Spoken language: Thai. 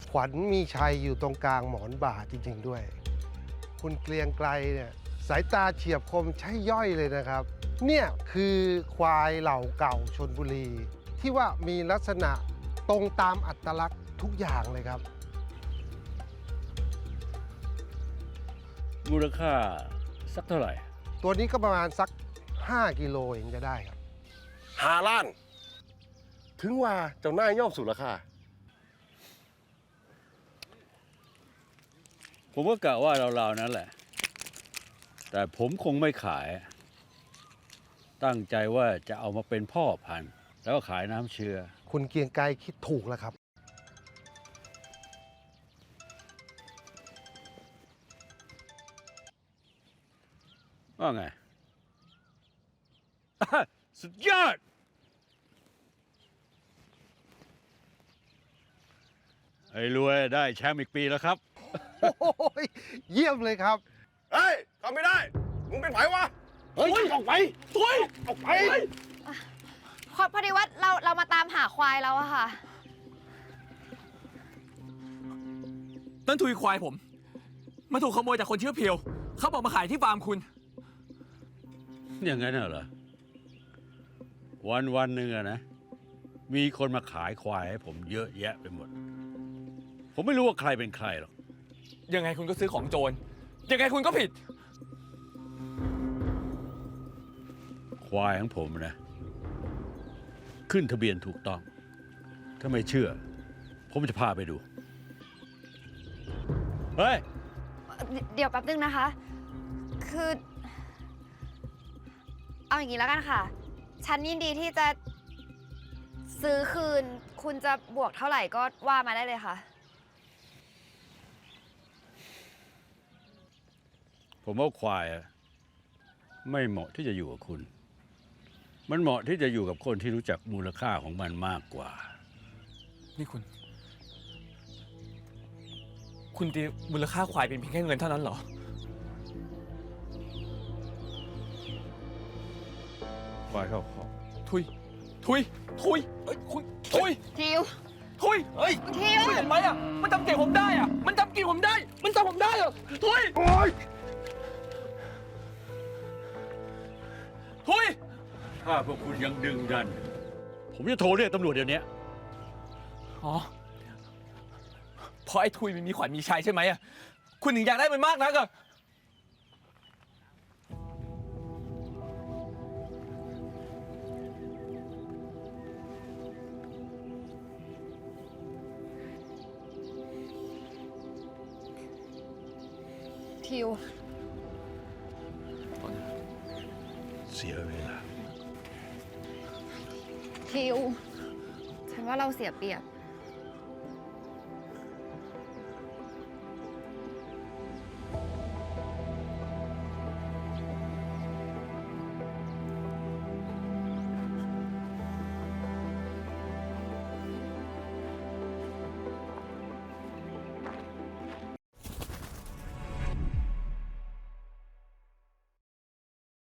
ขวัญมีชัยอยู่ตรงกลางหมอนบ่าจริงๆด้วย คุณเกรียงไกรเนี่ยสายตาเฉียบคมใช่ย่อยเลยนะครับ เนี่ยคือควายเหล่าเก่าชลบุรี ที่ว่ามีลักษณะตรงตามอัตลักษณ์ทุกอย่างเลยครับมูลค่าสักเท่าไหร่ตัวนี้ก็ประมาณสัก 5 กิโลเองจะได้ครับ 5 ล้าน ถึงว่าเจ้าหน้ายย่อมสู่ราคาผมก็กะว่าเราๆนั้นแหละ แต่ผมคงไม่ขาย ตั้งใจว่าจะเอามาเป็นพ่อพันธุ์แล้วก็ขายน้ำเชื้อคุณเกรียงไกรคิดถูกแล้วครับว่าไง สุดยอด ไอ้รวยได้แชมป์อีกปีแล้วครับโอ้ยเยี่ยมเลยครับเฮ้ยทำไม่ได้ มึงเป็นไผวะ เฮ้ย ออกไปถอยออกไปพอดีว่าเรามาตามหาควายแล้วอะค่ะนั่นทุยควายผม มันถูกขโมยจากคนชื่อเพียว เขาบอกมาขายที่ฟาร์มคุณอย่างนั้นเหรอ วันหนึ่งอะนะ มีคนมาขายควายให้ผมเยอะแยะไปหมด ผมไม่รู้ว่าใครเป็นใครหรอกยังไงคุณก็ซื้อของโจร ยังไงคุณก็ผิดควายของผมนะ ขึ้นทะเบียนถูกต้อง ถ้าไม่เชื่อ ผมจะพาไปดู เฮ้ยเดี๋ยวแป๊บนึงนะคะ คือ เอาอย่างนี้แล้วกันค่ะ ฉันยินดีที่จะซื้อคืน คุณจะบวกเท่าไหร่ก็ว่ามาได้เลยค่ะผมว่าควายอะไม่เหมาะที่จะอยู่กับคุณ มันเหมาะที่จะอยู่กับคนที่รู้จักมูลค่าของมันมากกว่านี่คุณตีมูลค่าควายเป็นเพียงแค่เงินเท่านั้นเหรอควายเข้าคอกทุยเอ้ยคุณทุยทิวทุยเฮ้ยทิวคุณเห็นไหมอ่ะ มันจำเก่งผมได้อ่ะ มันจำกินผมได้ มันจำผมได้เหรอทุยทุยถ้าพวกคุณยังดึงดัน ผมจะโทรเรียกตำรวจเดี๋ยวนี้อ๋อเพราะไอ้ทุยมันมีขวัญมีชัยใช่ไหมอ่ะ คุณถึงอยากได้มันมากนักอ่ะทิวเสียเวลาทิว ฉันว่าเราเสียเปรียบ